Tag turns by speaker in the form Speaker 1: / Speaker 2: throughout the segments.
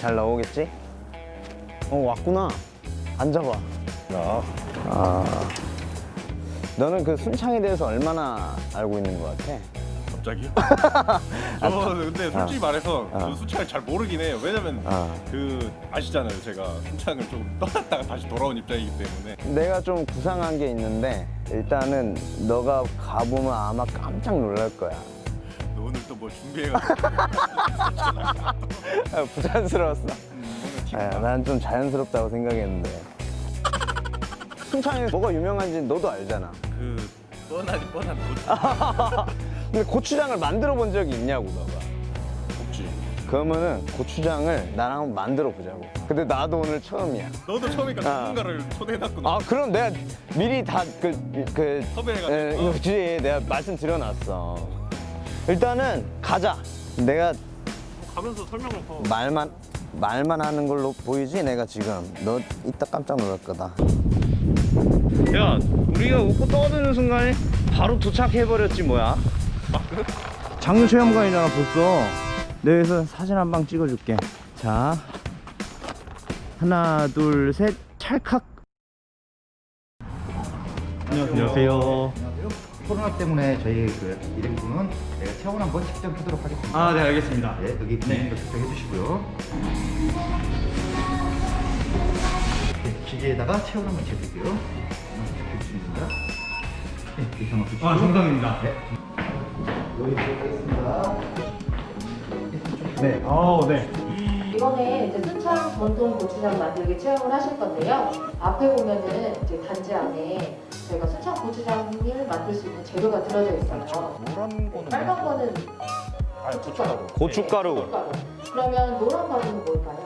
Speaker 1: 잘 나오겠지? 왔구나. 앉아봐. 너는 그 순창에 대해서 얼마나 알고 있는 것 같아?
Speaker 2: 갑자기요? 저 근데 솔직히 말해서 저 순창을 잘 모르긴 해요. 왜냐면 그 아시잖아요. 제가 순창을 좀 떠났다가 다시 돌아온 입장이기 때문에.
Speaker 1: 내가 좀 구상한 게 있는데 일단은 너가 가보면 아마 깜짝 놀랄 거야.
Speaker 2: 너 오늘 또 뭐 준비해가지고
Speaker 1: 부자연스러웠어.
Speaker 2: 뭔가
Speaker 1: 난 좀 자연스럽다고 생각했는데. 순창에 뭐가 유명한지 너도 알잖아.
Speaker 2: 그 뻔한 거지.
Speaker 1: 근데 고추장을 만들어 본 적이 있냐고 너가.
Speaker 2: 없지.
Speaker 1: 그러면은 고추장을 나랑 한번 만들어 보자고. 근데 나도 오늘 처음이야.
Speaker 2: 너도 처음이니까 전문가를 초대해놨구나.
Speaker 1: 그럼 내가 미리 다
Speaker 2: 섭외해가지고.
Speaker 1: 그치, 내가 말씀드려놨어. 일단은 가자. 내가
Speaker 2: 가면서 설명을 더.
Speaker 1: 말만 하는 걸로 보이지? 내가 지금 너 이따 깜짝 놀랄 거다. 야, 우리가 웃고 떠드는 순간에 바로 도착해버렸지 뭐야. 장류체험관이잖아 벌써. 내가 여기서 사진 한 방 찍어줄게. 자, 하나 둘 셋, 찰칵. 안녕하세요.
Speaker 3: 코로나 때문에 저희 그 일행분은 내가 체온 한번 측정하도록 하겠습니다.
Speaker 1: 아, 네, 알겠습니다.
Speaker 3: 네, 여기 기능도 측정해 주시고요. 네, 기계에다가 체온 한번 재볼게요. 측정해 주십니다. 네, 이상 없으시고.
Speaker 1: 정상입니다.
Speaker 3: 네. 여기 들어가겠습니다.
Speaker 1: 네, 네.
Speaker 4: 이번에 이제 순창 전통 고추장 만들기 체험을 하실 건데요. 앞에 보면은 이제 단지 안에 저희가 순창 고추장을 만들 수 있는 재료가 들어져 있어요.
Speaker 2: 노란 거는
Speaker 4: 빨간 거는
Speaker 2: 아니 고춧가루.
Speaker 1: 고춧가루.
Speaker 4: 고춧가루. 그러면 노란 가루는 뭘까요?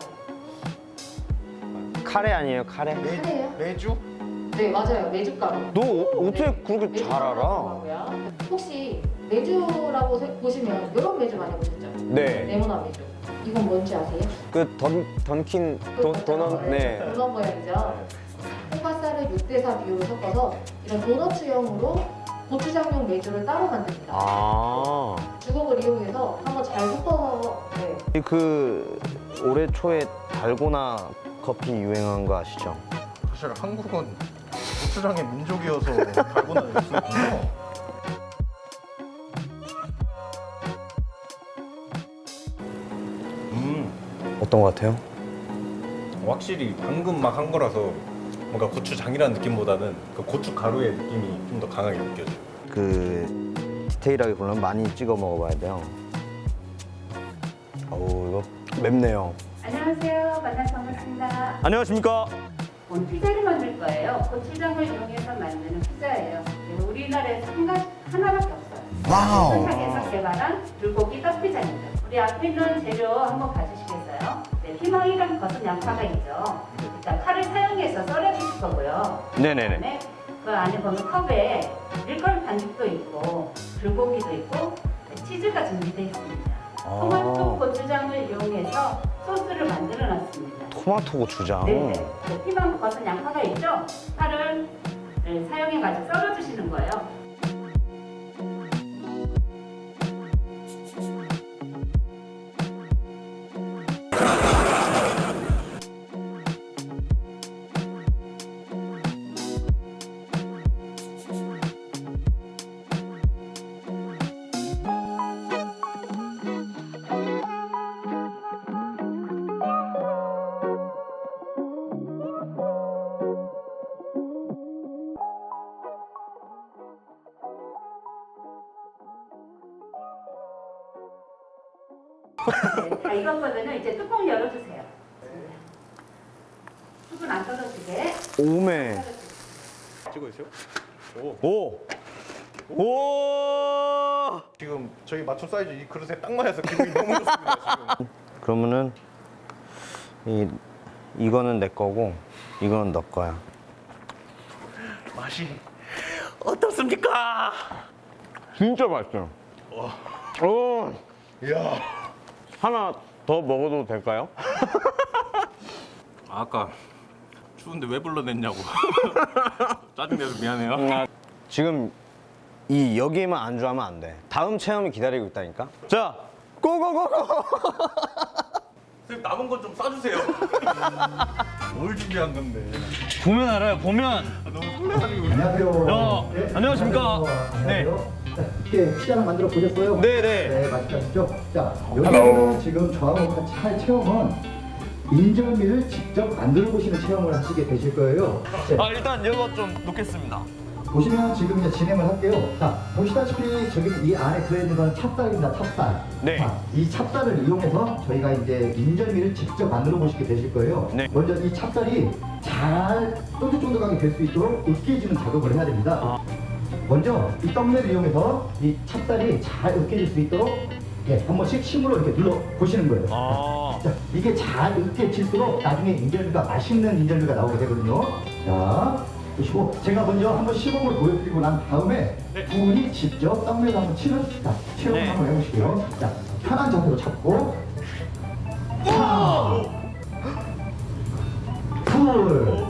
Speaker 1: 카레 아니에요, 카레?
Speaker 4: 카레예요?
Speaker 2: 매주?
Speaker 4: 네, 맞아요. 메주가루.
Speaker 1: 너 어떻게 그렇게 잘 알아?
Speaker 4: 메주가루라고요. 혹시 메주라고 보시면 이런 메주 많이 보셨죠?
Speaker 1: 네.
Speaker 4: 네모난 메주. 이건 뭔지 아세요?
Speaker 1: 그 던킨 도넛. 네.
Speaker 4: 도넛 모양이죠. 홍과쌀을 6대4 비율로 섞어서 이런 도넛형으로 고추장용 메주를 따로 만듭니다.
Speaker 1: 아.
Speaker 4: 주걱을 이용해서 한번 잘 섞어서 네.
Speaker 1: 그 올해 초에 달고나 커피 유행한 거 아시죠?
Speaker 2: 사실 한국은 고추장의 민족이어서 달고나를 쓰거든요.
Speaker 1: 어떤 거 같아요?
Speaker 2: 확실히 방금 막 한 거라서 뭔가 고추장이라는 느낌보다는 그 고춧가루의 느낌이 좀 더 강하게 느껴져요.
Speaker 1: 그 디테일하게 보려면 많이 찍어 먹어봐야 돼요. 어우, 이거 맵네요.
Speaker 5: 안녕하세요. 만나서 반갑습니다.
Speaker 1: 안녕하십니까?
Speaker 5: 오늘 피자를 만들 거예요. 고추장을 이용해서 만드는 피자예요. 네, 우리나라에서 하나밖에 없어요.
Speaker 1: 와우.
Speaker 5: 순창에서 개발한 불고기 떡피자입니다. 우리 앞에 있는 재료 한번 봐주시겠어요? 네, 피망이랑 버섯 양파가 있죠. 일단 칼을 사용해서 썰어주실 거고요.
Speaker 1: 네네네.
Speaker 5: 그다음에 그 안에 보면 컵에 밀가루 반죽도 있고 불고기도 있고 네, 치즈가 준비되어 있습니다. 토마토 고추장을 이용해서 소스를 만들어 놨습니다.
Speaker 1: 토마토 고추장.
Speaker 5: 네, 네. 피망 버섯 양파가 있죠? 칼을 사용해가지고 썰어주시는 거예요. 네, 다 익은 거면은 이제 뚜껑 열어주세요. 수분 안 떨어지게.
Speaker 1: 오메.
Speaker 2: 찍고 있어요?
Speaker 1: 오. 오.
Speaker 2: 지금 저희 맞춤 사이즈 이 그릇에 딱 맞아서 기분이 너무 좋습니다. 지금.
Speaker 1: 그러면은 이거는 내 거고 이거는 너 거야.
Speaker 2: 맛이 어떻습니까?
Speaker 1: 진짜 맛있어요. 오.
Speaker 2: 이야.
Speaker 1: 하나 더 먹어도 될까요?
Speaker 2: 아까 추운데 왜 불러냈냐고. 짜증내서 미안해요.
Speaker 1: 지금 여기에만 안주하면 안 돼. 다음 체험이 기다리고 있다니까. 자, 고고고고.
Speaker 2: 선생님 남은 건 좀 싸주세요. 뭘 준비한 건데?
Speaker 6: 보면 알아요. 보면.
Speaker 2: 너무 설레가지고.
Speaker 3: 안녕하세요.
Speaker 6: 네, 안녕하십니까. 네.
Speaker 3: 자, 이렇게 식사를 만들어 보셨어요?
Speaker 6: 네네.
Speaker 3: 네, 맛있죠? 자, 여기서 지금 저하고 같이 할 체험은 인절미를 직접 만들어 보시는 체험을 하시게 되실 거예요. 네,
Speaker 6: 아 일단 이거 좀 놓겠습니다.
Speaker 3: 보시면 지금 이제 진행을 할게요. 자, 보시다시피 저기 이 안에 들어있는 건 찹쌀입니다. 찹쌀.
Speaker 6: 네.
Speaker 3: 자, 이 찹쌀을 이용해서 저희가 이제 인절미를 직접 만들어 보시게 되실 거예요.
Speaker 6: 네.
Speaker 3: 먼저 이 찹쌀이 잘 쫀득쫀득하게 될 수 있도록 으깨지는 작업을 해야 됩니다. 먼저 이 떡매를 이용해서 이 찹쌀이 잘 으깨질 수 있도록 한 번씩 힘으로 이렇게 눌러 보시는 거예요.
Speaker 6: 아.
Speaker 3: 자, 이게 잘 으깨질수록 나중에 인절미가 맛있는 인절미가 나오게 되거든요. 자, 보시고 제가 먼저 한번 시범을 보여드리고 난 다음에 두 분이 직접 떡매를 한번 치는 체험
Speaker 6: 네.
Speaker 3: 한번 해보실게요. 자, 편한 자세로 잡고 하나 둘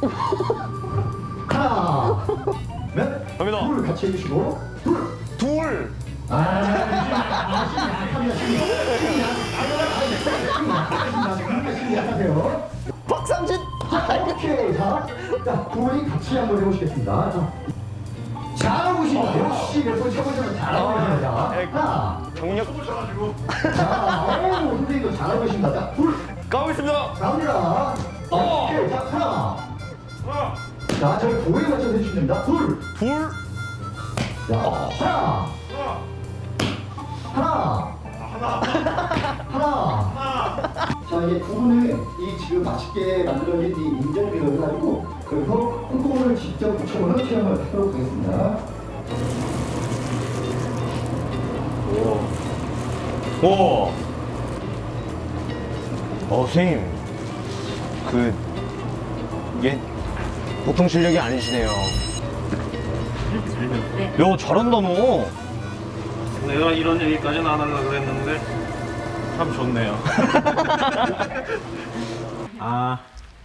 Speaker 3: 하나 몇
Speaker 6: 갑니다.
Speaker 3: 둘 같이 해주시고
Speaker 6: 둘.
Speaker 3: 약하세요.
Speaker 6: 박상진.
Speaker 3: 오케이. 자, 두 분이 같이 한번 해보시겠습니다. 자, 잘하고 계십니다. 역시 몇 번 쳐보시면 잘하고 계십니다. 하나.
Speaker 6: 경력
Speaker 3: 자, 선생님도 잘하고 계십니다. 자, 둘.
Speaker 6: 가보겠습니다.
Speaker 3: 갑니다. 오케이. 자, 하나. 자, 저희 도에 맞춰서 해주시면 됩니다. 둘.
Speaker 6: 둘.
Speaker 3: 자, 하나. 자, 이제 두 분은 이 지금 맛있게 만들어진 이 인절미를 가지고 여기서 콩콩을 직접 붙여보는 체험을 하도록 하겠습니다.
Speaker 6: 오. 선생님. 이게 보통 실력이 아니시네요.
Speaker 5: 네.
Speaker 6: 야, 잘한다 너.
Speaker 2: 내가 이런 얘기까지는 안 하려고 그랬는데 참 좋네요.
Speaker 6: 아.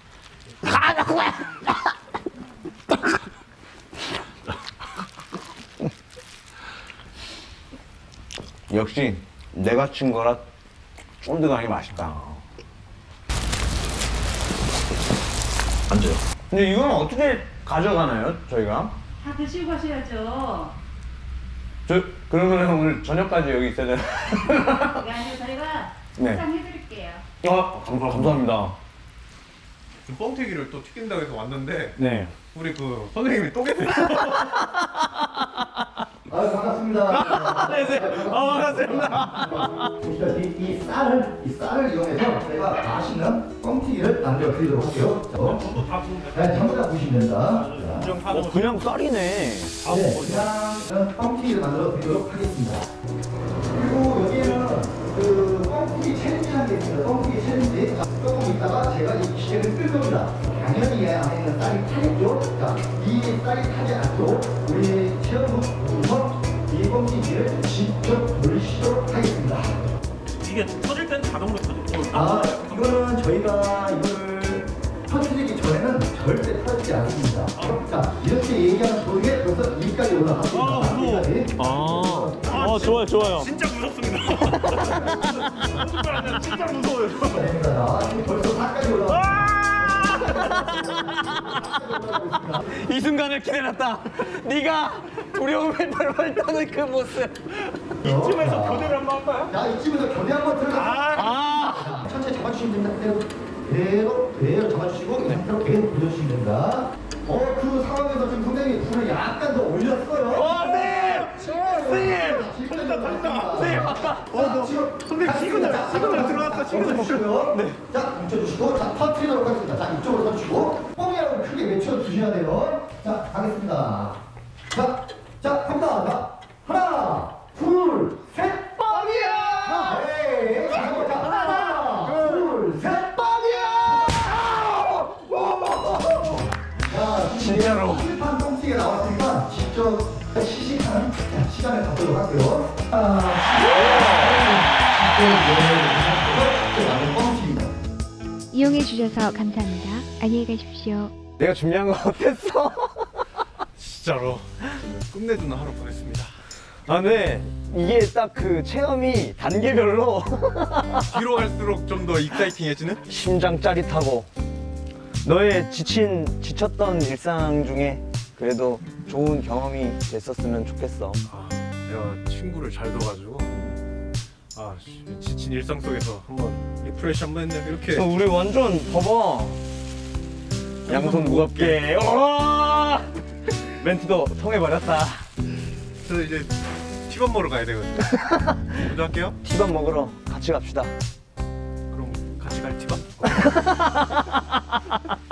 Speaker 1: 역시 내가 친 거라 쫀득하니 맛있다.
Speaker 6: 앉아요.
Speaker 1: 근데 이건 어떻게 가져가나요, 저희가?
Speaker 5: 다 드시고 가셔야죠.
Speaker 1: 그러면 오늘 저녁까지 여기 있어야 되나?
Speaker 5: 그게 아니고 저희가
Speaker 1: 네.
Speaker 5: 포장해드릴게요.
Speaker 1: 감사합니다.
Speaker 2: 뻥튀기를 또 튀긴다고 해서 왔는데
Speaker 1: 네.
Speaker 2: 우리 그 선생님이 또 계세요.
Speaker 3: 아유, 반갑습니다.
Speaker 6: 반갑습니다.
Speaker 3: 보시다시피 이 쌀을 이용해서 저희가 맛있는 뻥튀기를 만들어 드리도록 할게요. 자, 전부 다 보시면 됩니다. 자.
Speaker 1: 그냥 쌀이네.
Speaker 3: 네, 그냥 뻥튀기를 만들어 드리도록 하겠습니다. 그리고 여기에는 그 뻥튀기 챌린지라는 게 있습니다. 뻥튀기 챌린지. 자, 조금 있다가 제가 이 기계를 끌 겁니다. 당연히 이 안에 있는 쌀이 타겠죠. 자, 이 쌀이 타지 않도록 우리 체험부터 이 뻥튀기를 직접 돌리시도록 하겠습니다.
Speaker 2: 이게 터질 땐 자동으로 터지고.
Speaker 3: 이거는 저희가 이걸 터뜨리기 전에는 절대 터지지 않습니다. 자, 이렇게 얘기하는 도중에 벌써 이까지 올라갔습니다.
Speaker 6: 좋아요, 좋아요.
Speaker 2: 진짜 무섭습니다. 진짜 무서워요.
Speaker 3: 됩니다. 벌써 4까지 올라갔습니다.
Speaker 6: 이 순간을 기다렸다. 네가 두려움에 벌벌 떠는 그 모습.
Speaker 3: 이쯤에서 교대를 한번 할까요? 자, 이쯤에서 교대 한번 들어가. 천천히 잡아주시면 됩니다. 그대로 잡아주시고 이 상태로 계속 돌려주시면 됩니다. 그 상황에서 지금 선생님이 불을 약간 더 올렸어요.
Speaker 6: 선생님, 아까.
Speaker 3: 시그널 들어왔어. 시그널 주시고요. 네. 자, 뭉쳐주시고, 자, 터트리도록 하겠습니다. 자, 이쪽으로 서주시고, 뽕이라고 크게 외쳐주셔야 돼요. 자, 가겠습니다. 자, 갑니다. 자, 하나, 둘, 셋, 뻥이야! 네. 자, 하나, 둘, 셋, 뻥이야! 자,
Speaker 6: 진짜로.
Speaker 3: 실판 뻥튀기가 나왔으니까 직접 시식하는 시간을 갖도록 할게요.
Speaker 7: 이용해 주셔서 감사합니다. 안녕히 가십시오.
Speaker 1: 내가 준비한 거 어땠어?
Speaker 2: 진짜로 끝내주는 하루 보냈습니다.
Speaker 6: 아, 네. 이게 딱 그 체험이 단계별로
Speaker 2: 뒤로 갈수록 좀 더 익사이팅해지는?
Speaker 6: 심장 짜릿하고 너의 지쳤던 일상 중에 그래도 좋은 경험이 됐었으면 좋겠어.
Speaker 2: 내가 친구를 잘 둬가지고 지친 일상 속에서 한번 리프레시 한번 했네. 이렇게
Speaker 6: 우리 완전 봐봐. 양손 무겁게. 와! 멘트도 통해버렸다.
Speaker 2: 저 이제 티밥 먹으러 가야 되거든요. 먼저 할게요.
Speaker 6: 티밥 먹으러 같이 갑시다.
Speaker 2: 그럼 같이 갈 티밥?